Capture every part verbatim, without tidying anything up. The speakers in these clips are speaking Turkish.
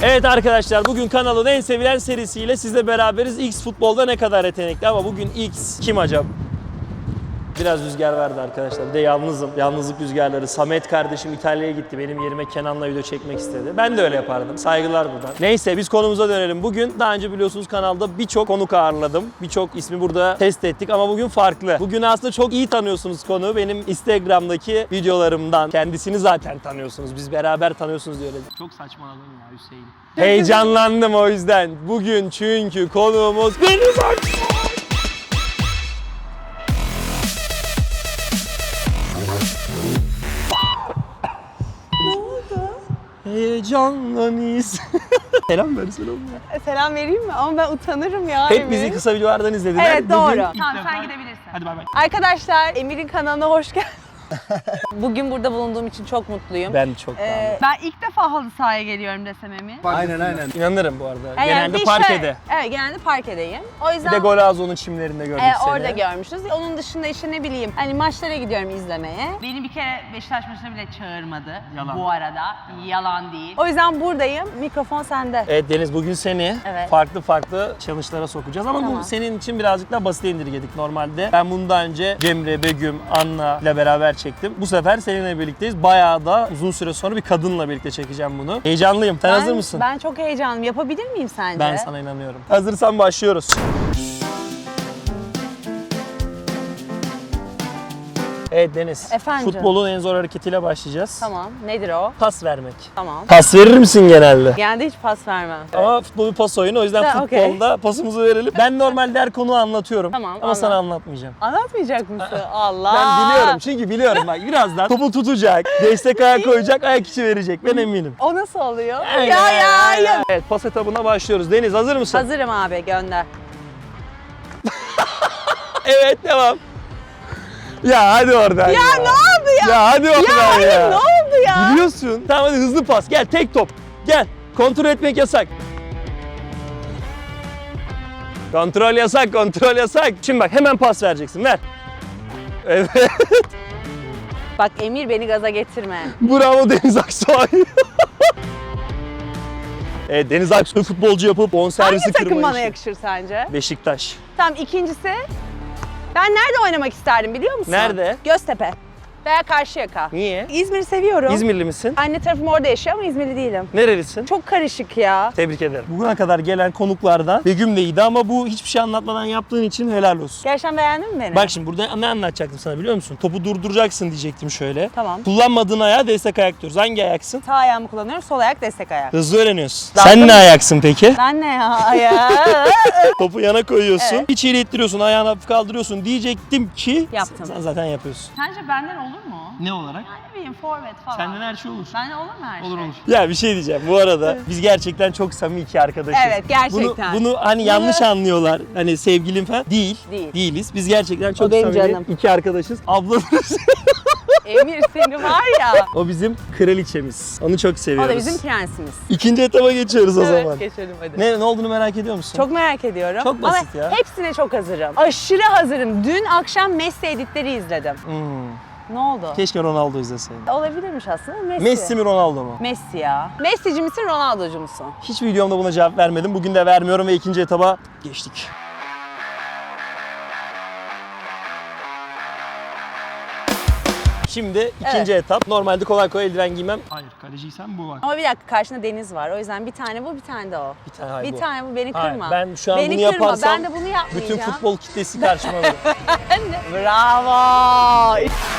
Evet arkadaşlar, bugün kanalın en sevilen serisiyle sizle beraberiz. X futbolda ne kadar yetenekli, ama bugün X kim acaba? Biraz rüzgar verdi arkadaşlar. Bir de yalnızım. Yalnızlık rüzgarları. Samet kardeşim İtalya'ya gitti. Benim yerime Kenan'la video çekmek istedi. Ben de öyle yapardım. Saygılar buradan. Neyse, biz konumuza dönelim. Bugün daha önce biliyorsunuz kanalda birçok konuk ağırladım. Birçok ismi burada test ettik ama bugün farklı. Bugün aslında çok iyi tanıyorsunuz konuğu. Benim Instagram'daki videolarımdan. Kendisini zaten tanıyorsunuz. Biz beraber tanıyorsunuz diye öyle. Çok saçmaladım ya Hüseyin. Heyecanlandım o yüzden. Bugün çünkü konuğumuz Deniz Aksoy. Heyecanlanıyız. Selam ver, selam ver. Selam vereyim mi? Ama ben utanırım ya. Hep Emir. bizi kısa videolardan izlediler. Evet, doğru. Bugün Tamam, defa... sen gidebilirsin. Hadi bay bay. Arkadaşlar, Emir'in kanalına hoş geldiniz. Bugün burada bulunduğum için çok mutluyum. Ben çok Ee, Ben ilk defa halı sahaya geliyorum desem Emin. Aynen aynen. İnanırım bu arada. yani Genelde bir parkede. Şöyle, evet, genelde parkedeyim. O Bir yüzden de Golazo'nun çimlerinde gördük e, seni. orada görmüşüz. Onun dışında işte ne bileyim, hani maçlara gidiyorum izlemeye. Beni bir kere Beşiktaş maçına bile çağırmadı. Yalan. Bu arada. Yalan değil. O yüzden buradayım. Mikrofon sende. Evet Deniz, bugün seni Evet. farklı farklı challenge'lara sokacağız ama Tamam. bu senin için birazcık daha basite indirgedik normalde. Ben bunu daha önce Cemre, Begüm, Anna ile beraber çektim. Bu sefer seninle birlikteyiz. Bayağı da uzun süre sonra bir kadınla birlikte çekeceğim bunu. Heyecanlıyım. Sen Ben- hazır mısın? Ben çok heyecanlıyım. Yapabilir miyim sence? Ben sana inanıyorum. Hazırsan başlıyoruz. Evet Deniz. Efendim? Futbolun en zor hareketiyle başlayacağız. Tamam. Nedir o? Pas vermek. Tamam. Pas verir misin genelde? Genelde hiç pas vermem. Ama futbol bir pas oyunu, o yüzden Ha, okey. futbolda pasımızı verelim. Ben normalde her konuyu anlatıyorum. Tamam, Ama anlat. sana anlatmayacağım. Anlatmayacak mısın? Allah. Ben biliyorum, çünkü biliyorum bak, birazdan topu tutacak, destek ayak koyacak, ayak içi verecek, ben eminim. O nasıl oluyor? Aynen, ya ya aynen. ya. Evet, pas etabına başlıyoruz. Deniz, hazır mısın? Hazırım abi, gönder. Evet, devam. Ya hadi oradan ya. Ya ne oldu ya? Ya hadi oradan ya. Ya hayır, ne oldu ya? Biliyorsun. Tamam hadi, hızlı pas. Gel, tek top. Gel. Kontrol etmek yasak. Kontrol yasak, kontrol yasak. Şimdi bak, hemen pas vereceksin. Ver. Evet. Bak Emir, beni gaza getirme. Bravo Deniz Aksoy. Evet, Deniz Aksoy futbolcu yapıp bonservisi Hangi takım kırma bana işi. yakışır sence? Beşiktaş. Tamam, ikincisi. Ben nerede oynamak isterdim biliyor musun? Nerede? Göztepe. Veya Karşıyaka. Niye? İzmir'i seviyorum. İzmirli misin? Anne tarafım orada yaşıyor ama İzmirli değilim. Nerelisin? Çok karışık ya. Tebrik ederim. Bugüne kadar gelen konuklardan Begüm de iyiydi ama bu hiçbir şey anlatmadan yaptığın için helal olsun. Gerçekten beğendin mi beni? Bak şimdi burada ne anlatacaktım sana biliyor musun? Topu durduracaksın diyecektim şöyle. Tamam. Kullanmadığın ayağa destek ayak diyoruz. Hangi ayaksın? Sağ ayağımı kullanıyorum, sol ayak destek ayak. Hızlı öğreniyorsun. Daha Sen tabii. ne ayaksın peki? Ben ne ya? ya. Topu yana koyuyorsun. Evet. İçeri ittiriyorsun, ayağını hafif kaldırıyorsun diyecektim ki Yaptım. sen zaten yapıyorsun. Sence benden olur mu? Ne olarak? Yani ne bileyim forvet falan. her şey olur. Benden olur mu her şey? Ya bir şey diyeceğim. Bu arada biz gerçekten çok samimi iki arkadaşız. Evet, gerçekten. Bunu, bunu hani yanlış anlıyorlar. Hani sevgilim falan. Değil. Değil. Değiliz. Biz gerçekten çok benim samimi canım. iki arkadaşız. Ablamız. Emir seni var ya. O bizim kraliçemiz. Onu çok O seviyoruz. da bizim prensimiz. İkinci etaba geçiyoruz o Evet, zaman. geçelim hadi. Ne, ne olduğunu merak ediyor musun? Çok merak ediyorum. Çok basit Ama ya. hepsine çok hazırım. Aşırı hazırım. Dün akşam Messi editleri izledim. Hmm. Ne oldu? Keşke Ronaldo izleseydin. Olabilirmiş aslında. Messi. Messi mi Ronaldo mu? Messi ya. Messi'ci misin, Ronaldo'cu musun? Hiç videomda buna cevap vermedim. Bugün de vermiyorum ve ikinci etaba geçtik. Şimdi ikinci etap. Normalde kolay kolay eldiven giymem. Hayır, kaleciysen bu var. Ama bir dakika, karşında Deniz var. O yüzden bir tane bu, bir tane de o. Bir tane hayır bir bu. tane bu, beni Hayır, kırma. ben şu an beni bunu kırma. yaparsam Ben de bunu yapmayacağım. bütün futbol kitlesi karşıma alır. Bravo.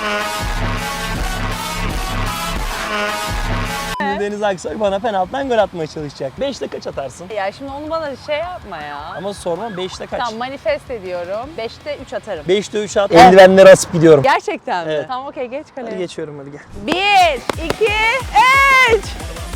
Şimdi Deniz Aksoy bana penaltıdan gol atmaya çalışacak. beşte kaç atarsın? Ya şimdi onu bana şey yapma ya. Ama sorma, beşte kaç? Tamam, manifest ediyorum. beşte üç atarım. beşte üç at. Eldivenleri asıp gidiyorum. Gerçekten mi? Evet. Tamam, okey, geç kaleye. Hadi geçiyorum, hadi gel. Bir, iki, üç.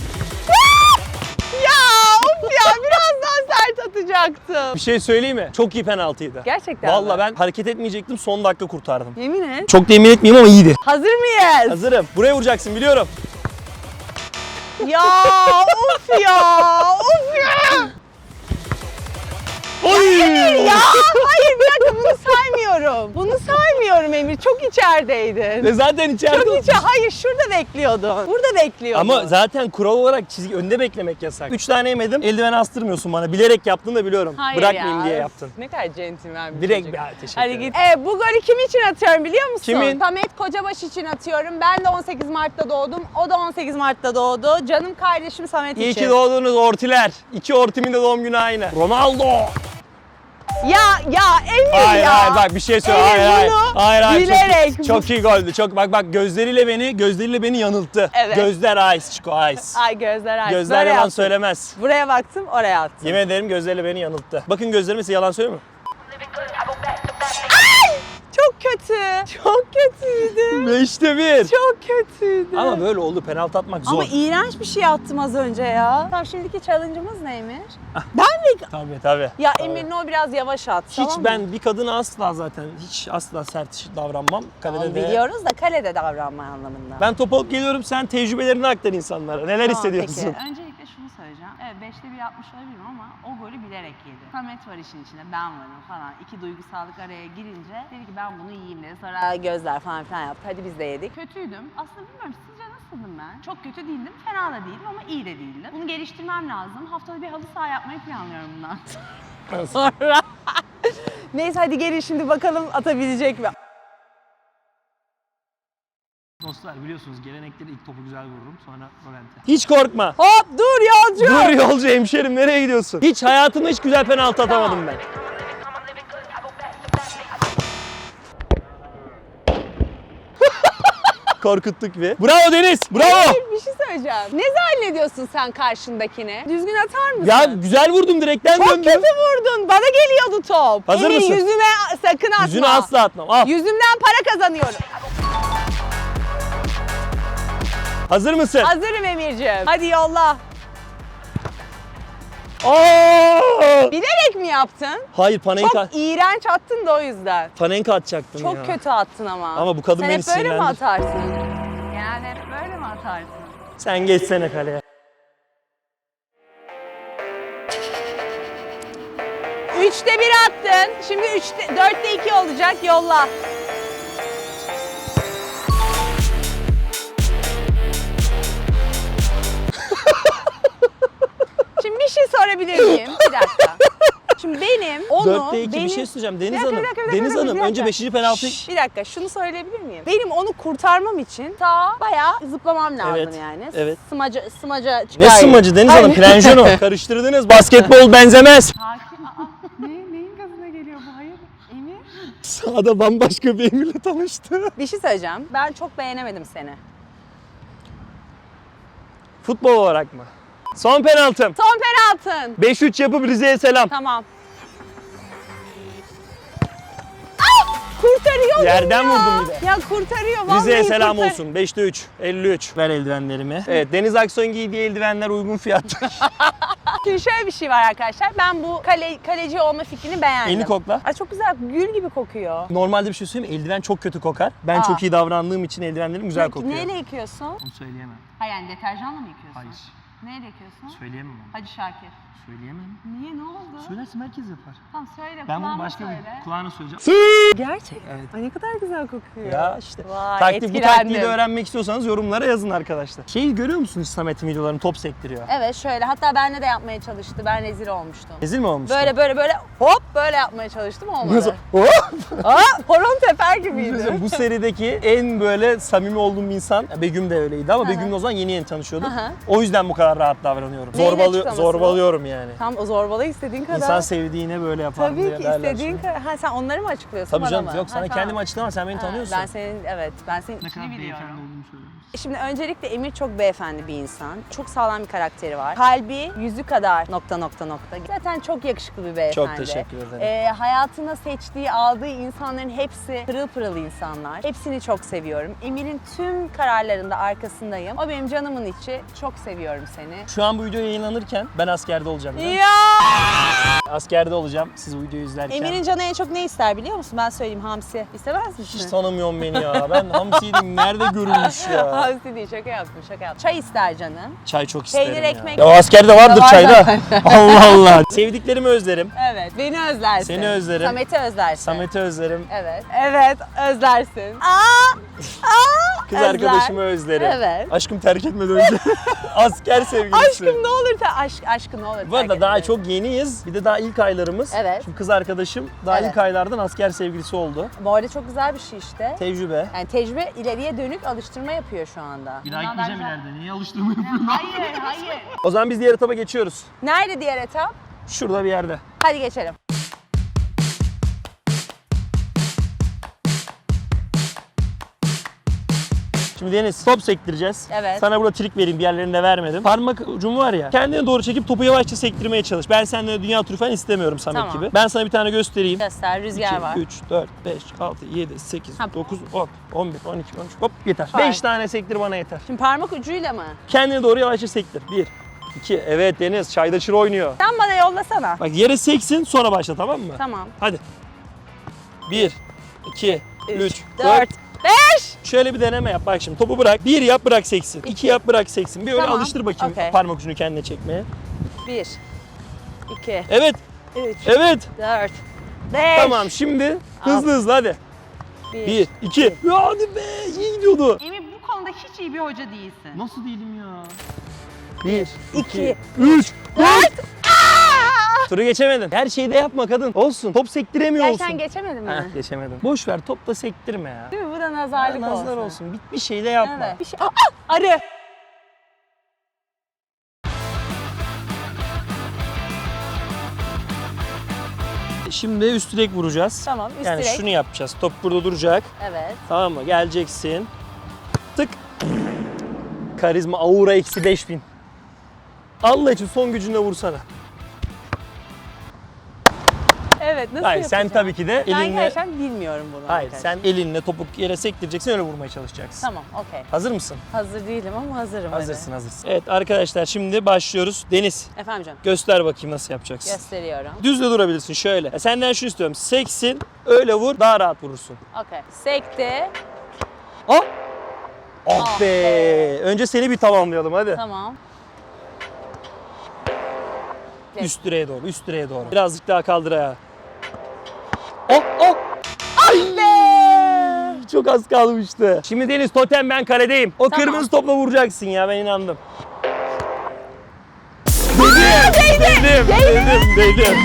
Ya of ya, biraz daha sert atacaktım. Bir şey söyleyeyim mi? Çok iyi penaltıydı. Gerçekten Vallahi mi? ben hareket etmeyecektim, son dakika kurtardım. Yemin et. Çok da emin etmeyeyim ama iyiydi. Hazır mıyız? Hazırım. Buraya vuracaksın, biliyorum. Ya of ya, of ya. Oy! Ya hayır, bir dakika, bunu saymıyorum. saymıyorum. Bunu saymıyorum Emir. Çok içerideydin. Ve zaten içeride Çok içe. Hayır şurada bekliyordun. Burada bekliyordun. Ama zaten kural olarak çizgi önde beklemek yasak. Üç tane yemedim. Eldiven astırmıyorsun bana. Bilerek yaptın da biliyorum. Hayır Bırakmayayım ya. diye yaptın. Ne kadar centilmen bir Direkt çocuk. bir teşekkür Hadi ederim. git. Ee, bu golü kim için atıyorum biliyor musun? Kimin? Samet Kocabaş için atıyorum. Ben de on sekiz Mart'ta doğdum. O da on sekiz Mart'ta doğdu. Canım kardeşim Samet İyi için. ki doğdunuz ortiler. İki ortimin de doğum günü aynı. Ronaldo. Ya ya Emir Hayır ya. hayır bak bir şey söyle. Emir Hayır hayır. bunu Hayır hayır. bilerek. Çok, çok iyi goldü. Çok bak bak gözleriyle beni gözleriyle beni yanılttı. Evet. Gözler ice Chico ice. Ay gözler aç. Gözler Böyle yalan yaptım. söylemez. Buraya baktım oraya attım. Yemin ederim gözleriyle beni yanılttı. Bakın gözlerime size yalan söylüyor mu? Çok kötü. Çok kötüydü. Beşte bir. Çok kötüydü. Ama böyle oldu. Penaltı atmak zor. Ama iğrenç bir şey attım az önce ya. Tamam şimdiki challenge'ımız ne Emir? Ben mi? Tabii tabii. Ya Tabii. Emir'in o biraz yavaş at. Hiç tamam mı? ben bir kadına asla zaten hiç asla sert davranmam. Kalede Tamam, de. biliyoruz da kalede davranma anlamında. Ben top alıp geliyorum, sen tecrübelerini aktar insanlara. Neler Tamam, hissediyorsun? peki. Öncelikle şunu söyleyeceğim. Evet beşte bir yapmış olabilirim ama o golü bilerek yedi. Samet var işin içinde, ben varım falan. İki duygusallık araya girince dedi ki ben bunu yiyeyim dedi. Sonra Aa, gözler falan filan yaptı. Hadi biz de yedik. kötüydüm. Aslında bilmiyorum sizce nasıldım ben? Çok kötü değildim, fena da değildim ama iyi de değildim. Bunu geliştirmem lazım. Haftada bir halı saha yapmayı planlıyorum bundan. Sonra. Neyse hadi gelin şimdi bakalım atabilecek mi? Dostlar biliyorsunuz gelenekleri ilk topu güzel vururum sonra rolante. Hiç korkma. Hop dur yolcu. Dur yolcu hemşerim nereye gidiyorsun? Hiç hayatımda hiç güzel penaltı atamadım ben. Korkuttuk bir. Bravo Deniz. Bravo. Emir, bir şey söyleyeceğim. Ne zannediyorsun sen karşındakine? Düzgün atar mısın? Ya güzel vurdum direkten Çok döndüm. kötü vurdun. Bana geliyordu top. Hazır Emir, mısın? yüzüme sakın atma. Yüzünü asla atmam. Al. Yüzümden para kazanıyorum. Hazır mısın? Hazırım Emir'ciğim. Hadi yolla. Aa! Bilerek mi yaptın? Hayır Panenka. Çok iğrenç attın da o yüzden. Panenka atacaktım Çok ya. kötü attın ama. Ama bu kadın Sen beni hep böyle mi sinirlendir- atarsın? Genelde hep böyle mi atarsın? Sen geçsene kaleye. Üçte bir attın. Şimdi üçte, dörtte iki olacak. Yolla. Şimdi bir şey sorabilir miyim? Bir dakika. Şimdi benim onu... Dörtte iki benim... bir şey söyleyeceğim. Deniz Bir dakika, Hanım. bir dakika, bir dakika, Deniz bir dakika, Hanım bir dakika. önce beşinci penaltı. Şşş, bir dakika şunu söyleyebilir miyim? Benim onu kurtarmam için ta bayağı zıplamam lazım Evet, yani. evet. Smaca, smaca Ne çıkar. sımacı Deniz Hanım? Planjano. Karıştırdınız. Basketbol benzemez. Sakin. Aa, ne, neyin gazına geliyor bu? Hayır. Emir. Sağda bambaşka bir Emir'le tanıştı. Bir şey söyleyeceğim. Ben çok beğenemedim seni. Futbol olarak mı? Son penaltım. Son penaltın. beş üç yapıp Rize'ye selam. Tamam. Ah! Kurtarıyor Yerden ya. vurdum bir de. Ya kurtarıyor vallahi. Rize'ye selam kurtar- olsun. beşte üç. elli üç. Ver eldivenlerimi. Evet Deniz Aksoy'un giydiği eldivenler uygun fiyatlı. Şimdi şöyle bir şey var arkadaşlar. Ben bu kale, kaleci olma fikrini beğendim. Elini kokla. Ay çok güzel. Gül gibi kokuyor. Normalde bir şey söyleyeyim mi? Eldiven çok kötü kokar. Ben Aa. çok iyi davrandığım için eldivenlerim güzel Peki, kokuyor. neyle yıkıyorsun? Onu söyleyemem. Ha yani deterjanla mı yıkıyorsun? Hayır. Neyle yıkıyorsun? Söyleyemem onu. Hadi Şakir. Söyleyemem. Niye ne oldu? Söylersin herkes yapar. Tamam söyle. Ben bunu kulağıma başka söyle. bir kulağına söyleyeceğim. Gerçekten. Evet. Ay ne kadar güzel kokuyor. Ya işte. Vay, Taktik, bu etkilendim. taktiği de öğrenmek istiyorsanız yorumlara yazın arkadaşlar. Şeyi görüyor musunuz Samet'in videolarını top sektiriyor. Evet şöyle. Hatta benle de yapmaya çalıştı. Ben rezil olmuştum. Ezil mi olmuş? Böyle böyle böyle hop böyle yapmaya çalıştım olmadı. Nasıl? Oh! Aa, horon teper gibiydi. Bu serideki en böyle samimi olduğum bir insan, Begüm de öyleydi ama Hı hı. Begüm'le o zaman yeni yeni tanışıyorduk. Hı hı. O yüzden bu kadar rahat davranıyorum. Neyin Zorbalı, açıklaması zorbalıyorum yani. Tam o zorbalığı istediğin kadar. İnsan sevdiğine böyle yapar Tabii diye ki derler istediğin şimdi. kadar. Ha sen onları mı açıklıyorsun Tabii bana canım mı? yok Ha, sana tamam. kendimi açıklama sen beni Ha, tanıyorsun. Ben senin evet ben senin ne kadar biliyorum. beyefendi olduğumu söylüyorum. Şimdi öncelikle Emir çok beyefendi bir insan. Çok sağlam bir karakteri var. Kalbi yüzü kadar nokta nokta nokta. Zaten çok yakışıklı bir beyefendi. Çok teşekkür ederim. Ee, hayatına seçtiği, aldığı insanların hepsi pırıl pırıl insanlar. Hepsini çok seviyorum. Emir'in tüm kararlarında arkasındayım. O benim canımın içi. Çok seviyorum seni. Şu an bu video yayınlanırken ben askerde olacağım. değil mi? Ya! Askerde olacağım siz bu videoyu izlerken. Emir'in canı en çok ne ister biliyor musun? Ben söyleyeyim, hamsi. İstemez misin? Hiç tanımıyorum beni ya. Ben hamsiydim. Nerede görülmüş ya? Hamsi değil, şaka yaptım, şaka yaptım. Çay ister canım. Çay çok isterim Peynir, ya. ekmek. Ya o askerde vardır Var çayda. zaten. Allah Allah. Sevdiklerimi özlerim. Evet, beni özlersin. Seni özlerim. Samet'i özlersin. Samet'i özlerim. Evet. Evet, özlersin. Aa! Aa! Kız Özler. arkadaşımı özlerim. Evet. Aşkım terk etmeden önce. Asker sevgilisi. Aşkım ne olur te aşk aşkım ne olur. Bu arada terk daha etme. çok yeniyiz. Bir de daha ilk aylarımız. Evet. Şimdi kız arkadaşım daha Evet. ilk aylardan asker sevgilisi oldu. Bu arada çok güzel bir şey işte. Tecrübe. Yani tecrübe ileriye dönük alıştırma yapıyor şu anda. Bir daha Bundan gitmeyeceğim daha ileride. Niye alıştırma yapıyorsun? Hayır, hayır. O zaman biz diğer etaba geçiyoruz. Nerede diğer etap? Şurada bir yerde. Hadi geçelim. Şimdi Deniz top sektireceğiz. Evet. Sana burada trik vereyim, diğerlerinde vermedim. Parmak ucumu var ya, kendine doğru çekip topu yavaşça sektirmeye çalış. Ben senden dünya turu falan istemiyorum Samet Tamam. gibi. Ben sana bir tane göstereyim. Göster, rüzgar var. üç, dört, beş, altı, yedi, sekiz, Ha. dokuz, on, on bir, on iki, on üç. Hop yeter. Vay. beş tane sektir bana yeter. Şimdi parmak ucuyla mı? Kendine doğru yavaşça sektir. bir, iki, evet Deniz çayda çır oynuyor. Sen bana yollasana. Bak yere seksin sonra başla tamam mı? Tamam. Hadi. bir, iki, üç, dört, beş. Şöyle bir deneme yap bak şimdi topu bırak. Bir yap bırak seksin. İki yap bırak seksin. Bir öyle Tamam, alıştır bakayım okey. parmak ucunu kendine çekmeye. Bir, iki, Evet. üç, Evet. dört, beş. Tamam şimdi hızlı hızlı hadi. Bir. Bir, iki. Ya hadi be iyi gidiyordu. Emir bu konuda hiç iyi bir hoca değilsin. Nasıl değilim ya? Bir, iki, üç, dört. Turu geçemedin. Her şeyi de yapma kadın. Olsun. Top sektiremiyor olsun. Gerçekten geçemedin mi? Heh, geçemedim. Boş ver top da sektirme ya. Değil mi? Bu da nazarlık olsun. Nazar olsun. Bir, bir şey de yapma. Evet. Bir şey... Aa, arı. Şimdi üst direk vuracağız. Tamam, üst yani direk. şunu yapacağız. Top burada duracak. Evet. Tamam mı? Geleceksin. Tık. Karizma aura eksi beş bin. Allah için son gücünle vursana. Evet, nasıl Hayır sen yapacağım? tabii ki de Ben elinle... gerçekten bilmiyorum bunu. Hayır arkadaşlar. sen elinle topu yere sektireceksin öyle vurmaya çalışacaksın. Tamam, okey. Hazır mısın? Hazır değilim ama hazırım. Hazırsın hazırsın. Evet arkadaşlar şimdi başlıyoruz. Deniz Hadi. Efendim canım, göster bakayım nasıl yapacaksın. gösteriyorum. Düz de durabilirsin şöyle. Ya senden şunu istiyorum. Seksin öyle vur daha rahat vurursun. Okey. Sekti. Ah! Ah Ah be! be. Önce seni bir tamamlayalım hadi. Tamam. Üst direğe doğru, üst direğe doğru. Birazcık daha kaldır ayağı. Oh, oh! Ay be! Çok az kalmıştı. Şimdi Deniz totem ben kaledeyim. O Tamam. kırmızı topla vuracaksın ya ben inandım. Değdim! Değdim! Değdim! Değdim!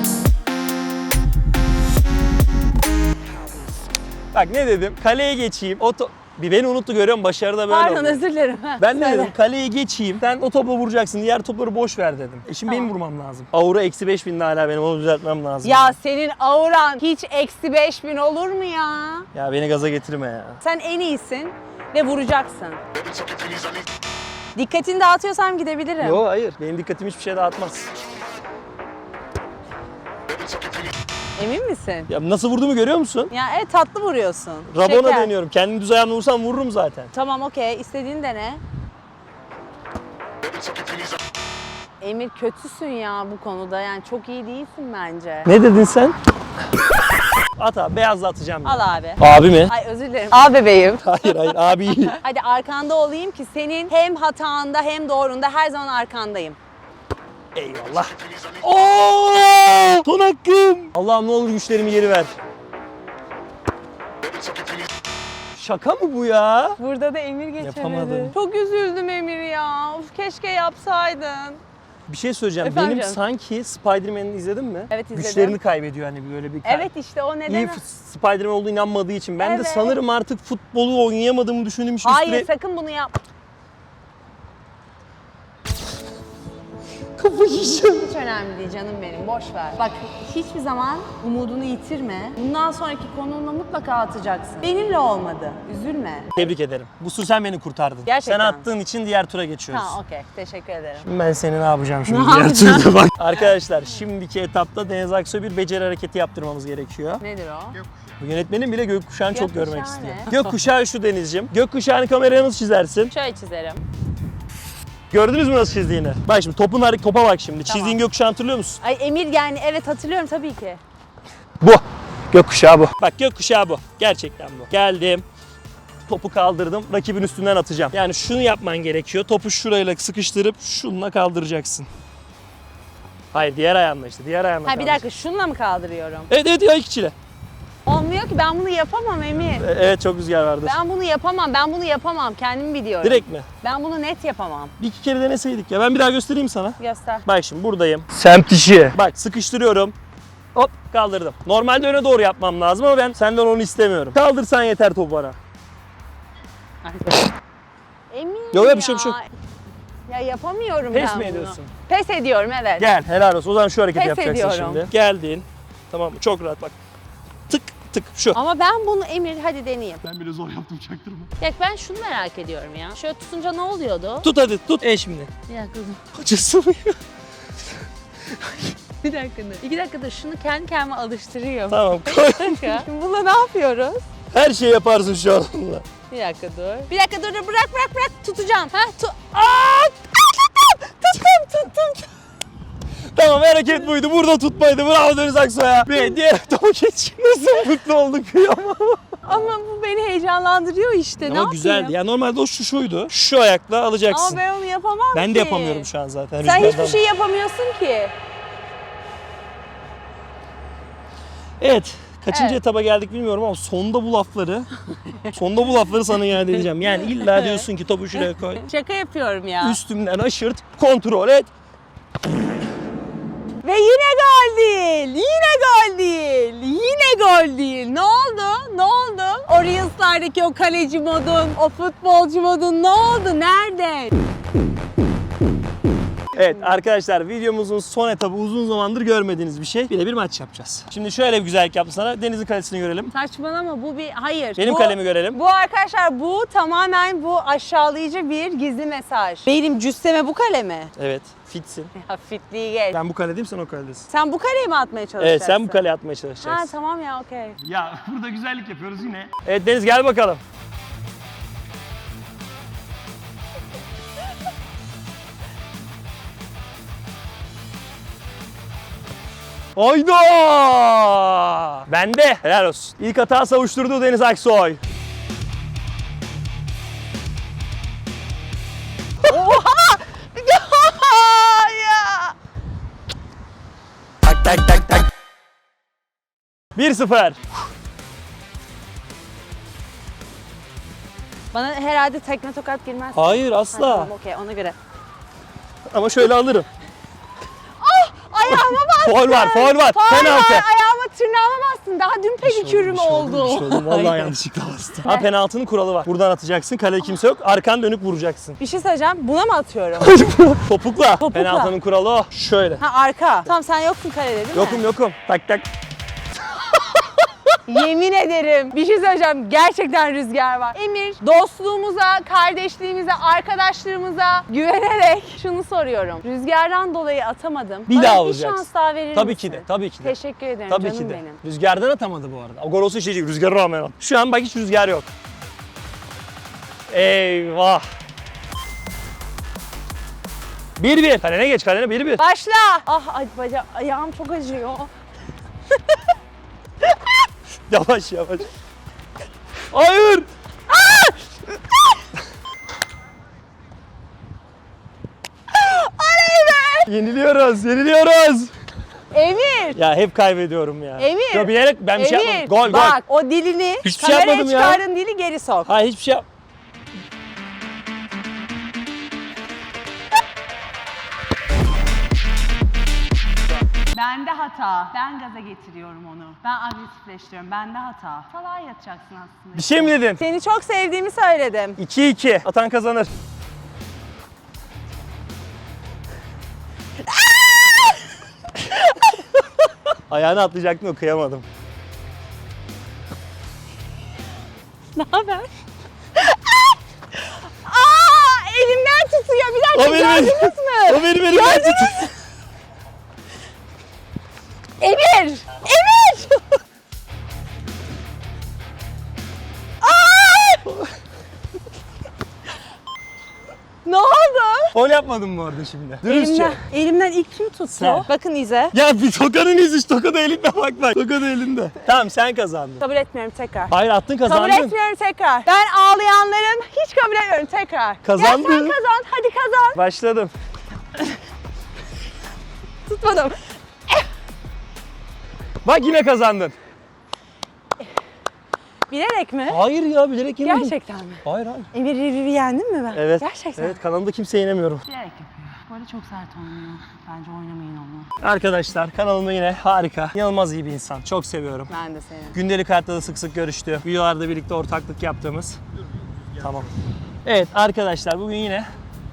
Bak ne dedim? Kaleye geçeyim. O to- bir beni unuttu görüyor musun? Başarıda böyle Pardon, oluyor. özür dilerim. Ha, Ben ne söyle. dedim? Kaleye geçeyim. Sen o topla vuracaksın. Diğer topları boş ver dedim. E şimdi Tamam. benim vurmam lazım. Aura eksi beş bin hala benim. Onu düzeltmem lazım. Ya senin auran hiç eksi beş bin olur mu ya? Ya beni gaza getirme ya. Sen en iyisin ve vuracaksın. Dikkatini dağıtıyorsam gidebilirim. Yok hayır. Benim dikkatim hiçbir şeye dağıtmaz. Emin misin? Ya nasıl vurduğumu görüyor musun? Ya evet, tatlı vuruyorsun. Rabona Şeker. deniyorum. Kendim düz ayağımla vursam vururum zaten. Tamam, okey. İstediğin dene. Emir, kötüsün ya bu konuda. Yani çok iyi değilsin bence. Ne dedin sen? At abi. Beyazla atacağım. Al ben. abi. Abi mi? Ay özür dilerim. Al bebeğim. Hayır hayır abi iyi. Hadi arkanda olayım ki senin hem hatanda hem doğrunda her zaman arkandayım. Eyvallah. Oo! Son hakkım. Allah'ım ne olur güçlerimi geri ver. Şaka mı bu ya? Burada da Emir geçemedi. Yapamadım. Çok üzüldüm Emir ya. Of, keşke yapsaydın. Bir şey söyleyeceğim. Efendim Benim canım? sanki Spider-Man'i izledin mi? Evet, izledim. Güçlerini kaybediyor hani böyle bir Evet işte o neden... İyi f- Spider-Man olduğu inanmadığı için. Ben de Evet. sanırım artık futbolu oynayamadığımı düşündüğüm için Hayır, üstüne sakın bunu yap. kafa yiyeceğim. Hiç önemli değil canım benim, boş ver. Bak, hiçbir zaman umudunu yitirme. Bundan sonraki konunla mutlaka atacaksın. Benimle olmadı, üzülme. Tebrik ederim. Bu su sen beni kurtardın. Gerçekten. Sen attığın için diğer tura geçiyoruz. Ha, okey. Teşekkür ederim. Şimdi ben seni ne yapacağım şimdi Ne diğer yapacaksın? turda bak. Arkadaşlar şimdiki etapta Deniz Aksoy bir beceri hareketi yaptırmamız gerekiyor. Nedir o? Bu yönetmenin bile gökkuşağını çok Gökkuşağı görmek ne? istiyor. Gökkuşağı şu Denizciğim. Gökkuşağını kameraya nasıl çizersin? Şöyle çizerim. Gördünüz mü nasıl çizdiğini? Bak şimdi topun hareket topa bak şimdi. Tamam. Çizdiğin gökkuşağı hatırlıyor musun? Ay Emir yani evet hatırlıyorum tabii ki. Bu. Gökkuşağı bu. Bak gökkuşağı bu. Gerçekten bu. Geldim. Topu kaldırdım. Rakibin üstünden atacağım. Yani şunu yapman gerekiyor. Topu şurayla sıkıştırıp şununla kaldıracaksın. Hayır diğer ayağınla işte. Diğer ayağınla Ha bir kaldıracaksın. dakika şununla mı kaldırıyorum? Evet evet ya ikçile. Olmuyor ki ben bunu yapamam Emir. E, Evet çok rüzgar vardı. Ben bunu yapamam. Ben bunu yapamam. Kendimi biliyorum. Direkt mi? Ben bunu net yapamam. Bir iki kere deneseydik ya. Ben bir daha göstereyim sana. Göster. Bak şimdi buradayım. Semt işi. Bak sıkıştırıyorum. Hop kaldırdım. Normalde öne doğru yapmam lazım ama ben senden onu istemiyorum. Kaldırsan yeter topu bana. Emir Yok, yok, ya. bir şey, bir şey yok. Ya yapamıyorum Pes ben mi bunu. ediyorsun? Pes ediyorum evet. Gel helal olsun. O zaman şu hareketi Pes yapacaksın ediyorum. şimdi. Geldin. Tamam mı? Çok rahat bak. Tık tık şu. Ama ben bunu Emir hadi deneyeyim. Ben bile zor yaptım çaktırma. Ya ben şunu merak ediyorum ya. Şöyle tutunca ne oluyordu? Tut hadi tut. E şimdi. Bir dakika dur. Acısı mı? Bir dakika dur. İki dakika dur. Şunu kendi kendime alıştırıyorum. Tamam koy. Bir dakika. Şimdi bununla ne yapıyoruz? Her şeyi yaparsın şu an onunla. Bir dakika dur. Bir dakika dur, dur. Bırak bırak bırak. Tutacağım. Ha tu Aa! Tuttum tuttum tuttum. Tamam hareket buydu. Burada tutmaydı. Bravo Deniz Aksoy'a. Bir diğer topu geç. Nasıl mutlu olduk kıyamam. Ama bu beni heyecanlandırıyor işte. ne Ama yapayım? güzeldi. Ya normalde o şu şuydu. Şu ayakla alacaksın. Ama ben onu yapamam Ben ki. de yapamıyorum şu an zaten. Sen rüzgardan. hiçbir şey yapamıyorsun ki. Evet. Kaçıncı Evet. etaba geldik bilmiyorum ama sonda bu lafları sonda bu lafları sana iade edeceğim. Yani illa diyorsun ki topu şuraya koy. Şaka yapıyorum ya. Üstümden aşırt, kontrol et. Ve yine gol değil. Yine gol değil. Yine gol değil. Ne oldu? Ne oldu? O Reels'lardaki o kaleci modun, o futbolcu modun ne oldu? Nerede? Evet arkadaşlar videomuzun son etabı uzun zamandır görmediğiniz bir şey. Bir de bir maç yapacağız. Şimdi şöyle bir güzellik yaptım sana. Deniz'in kalesini görelim. Saçmalama bu bir hayır. Benim bu, kalemi görelim. Bu arkadaşlar bu tamamen bu aşağılayıcı bir gizli mesaj. Benim cüsseme bu kale mi? Evet. Fitsin. Ya fitliği geç. Ben bu kaledeyim sen o kaledesin. Sen bu kaleyi mi atmaya çalışacaksın? Evet sen bu kaleye atmaya Ha çalışacaksın. tamam ya okey. Ya burada güzellik yapıyoruz yine. Evet Deniz gel bakalım. Hayda! Bende. Helal olsun. İlk hata savuşturdu Deniz Aksoy. ya. Tak tak tak tak. bir sıfır. Bana herhalde tekme tokat girmez. Hayır Ha, asla. tamam okey ona göre. Ama şöyle alırım. Ayağıma bastın. Faul var, faul var. Faul Penaltı. var. Ayağıma tırnağıma bastın. Daha dün pedikürüm oldu. Bir şey oldu. Vallahi yanlışlıkla bastım. Ha penaltının kuralı var. Buradan atacaksın. Kalede kimse yok. Arkan dönük vuracaksın. Bir şey söyleyeceğim. Buna mı atıyorum? Topukla. Topukla. Penaltının kuralı o. Şöyle. Ha arka. Tamam sen yoksun kalede değil mi? Yokum yokum. Tak tak. Yemin ederim bir şey söyleyeceğim. Gerçekten rüzgar var. Emir dostluğumuza, kardeşliğimize, arkadaşlığımıza güvenerek şunu soruyorum. Rüzgardan dolayı atamadım. Bir Bana daha bir vuracaksın. şans daha verir Tabii misin? ki de. Tabii ki de. Teşekkür ederim Tabii canım ki de. benim. Rüzgardan atamadı bu arada. O gol olsa şey değil. Rüzgara rağmen at. Şu an bak hiç rüzgar yok. Eyvah. bir bir. Kalene geç kalene bir bir. Başla. Ah ay baca ayağım çok acıyor. Yavaş yavaş. Hayır. Oley be! Yeniliyoruz, yeniliyoruz. Emir. Ya hep kaybediyorum ya. Emir. Ya bilerek ben bir şey Emir. yapmadım. Gol, gol. Bak o dilini Hiçbir şey kameraya yapmadım ya. çıkardığın dili geri sok. Hayır hiçbir şey yap. Bende hata. Ben gaza getiriyorum onu. Ben agresifleştiriyorum. Bende hata. Salağa yatacaksın aslında. Bir şey mi dedin? Seni çok sevdiğimi söyledim. iki iki. Atan kazanır. Ayağını atlayacaktın o kıyamadım. Ne haber? Aa, elimden tutuyor. Bir dakika O benim elim. gördünüz mü? O benim elimden tut. Emir! Emir! Aa! Ne oldu? Gol yap. yapmadın mı orada şimdi? Dürüstçe. Elimden, elimden ilk kim tuttu? Sen. Bakın İze. Ya bir tokanın izi, toka da elinde bak bak. Toka da elinde. Tamam sen kazandın. Kabul etmiyorum tekrar. Hayır attın kazandın. Kabul etmiyorum tekrar. Ben ağlayanların hiç kabul etmiyorum tekrar. Kazandın. Ya sen kazan, hadi kazan. Başladım. Tutmadım. Bak yine kazandın. Bilerek mi? Hayır ya bilerek yemedim. Gerçekten mi? Hayır hayır. Emir Riviv'i yendim mi ben? Evet. Gerçekten. Evet kanalımda kimse yenemiyorum. Bilerek yapıyor. Böyle çok sert oynuyor. Bence oynamayın onu. Arkadaşlar kanalımda yine harika, inanılmaz iyi bir insan. Çok seviyorum. Ben de seni. Gündelik hayatta da sık sık görüştüğü, videolarda birlikte ortaklık yaptığımız. Tamam. Evet arkadaşlar bugün yine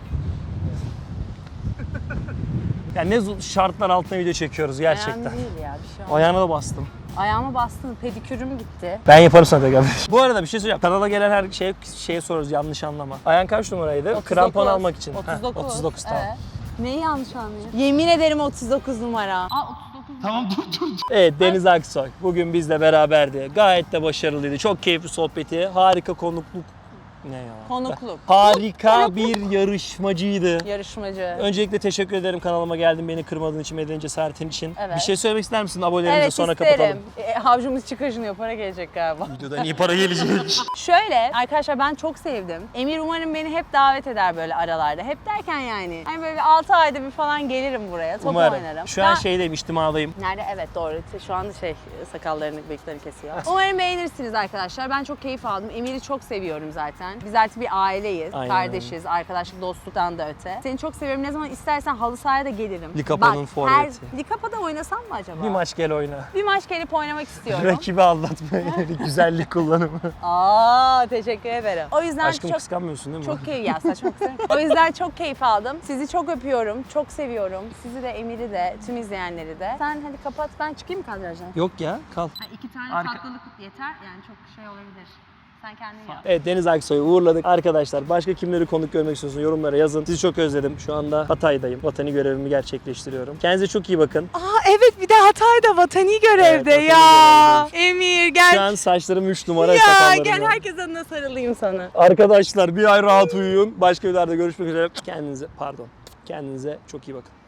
yani ne zor- şartlar altında video çekiyoruz gerçekten. Önemli değil ya bir şey olmaz. Ayağına da bastım. Ayağıma bastın, pedikürüm gitti. Ben yaparım sana tekrar. Bu arada bir şey söyleyeceğim. Kanala gelen her şeye, şeye soruyoruz yanlış anlama. Ayağın kaç numaraydı? otuz dokuz. Krampon almak için. otuz Heh, dokuz. otuz dokuz tamam. Evet. Neyi yanlış anlıyorsun? Yemin ederim otuz dokuz numara. Aa otuz dokuz. Tamam dur dur. Evet Deniz Aksoy bugün bizle beraberdi. Gayet de başarılıydı. Çok keyifli sohbeti. Harika konukluk. Ne ya? Konukluk. Harika bir yarışmacıydı. Yarışmacı. Öncelikle teşekkür ederim kanalıma geldin beni kırmadığın için, medeni cesaretin için. Evet. Bir şey söylemek ister misin abonelerimize Evet sonra isterim. kapatalım. E, havcumuz çıkışınıyor, para gelecek galiba. Videodan iyi para gelecek. Şöyle arkadaşlar ben çok sevdim. Emir umarım beni hep davet eder böyle aralarda. Hep derken yani. Hani böyle altı ayda bir falan gelirim buraya. Top Umarım. oynarım. Şu an Ben- şeydeyim, içtimadayım. Nerede? Evet doğru. Şu anda şey sakallarını, bıyıklarını kesiyor. Umarım beğenirsiniz arkadaşlar. Ben çok keyif aldım. Emir'i çok seviyorum zaten. Biz artık bir aileyiz. Aynen Kardeşiz. Arkadaşlık, dostluktan da öte. Seni çok seviyorum. Ne zaman istersen halı sahaya da gelirim. Likapa'nın Bak, forveti. her- Likapa'da oynasam mı acaba? Bir maç gel oyna. Bir maç gelip oynamak istiyorum. Rakibi aldatmaya yönelik güzellik kullanımı. Aa teşekkür ederim. O yüzden Aşkım çok kıskanmıyorsun değil mi? çok keyif ya saçma kısım. O yüzden çok keyif aldım. Sizi çok öpüyorum. Çok seviyorum. Sizi de Emir'i de tüm izleyenleri de. Sen hadi kapat ben çıkayım mı kadrajdan? Yok ya kal. Ha, iki tane Arka- tatlılık yeter. Yani çok şey olabilir. Sen kendin yap. Evet Deniz Aksoy'u uğurladık. Arkadaşlar başka kimleri konuk görmek istiyorsunuz yorumlara yazın. Sizi çok özledim. Şu anda Hatay'dayım. Vatani görevimi gerçekleştiriyorum. Kendinize çok iyi bakın. Aa evet bir de Hatay'da vatani görevde Evet, vatani ya. Emir gel. Şu an saçlarım üç numara Ya sakallarım gel var. herkes adına sarılayım sana. Arkadaşlar bir ay rahat uyuyun. Başka videolarda görüşmek üzere. Kendinize pardon. Kendinize çok iyi bakın.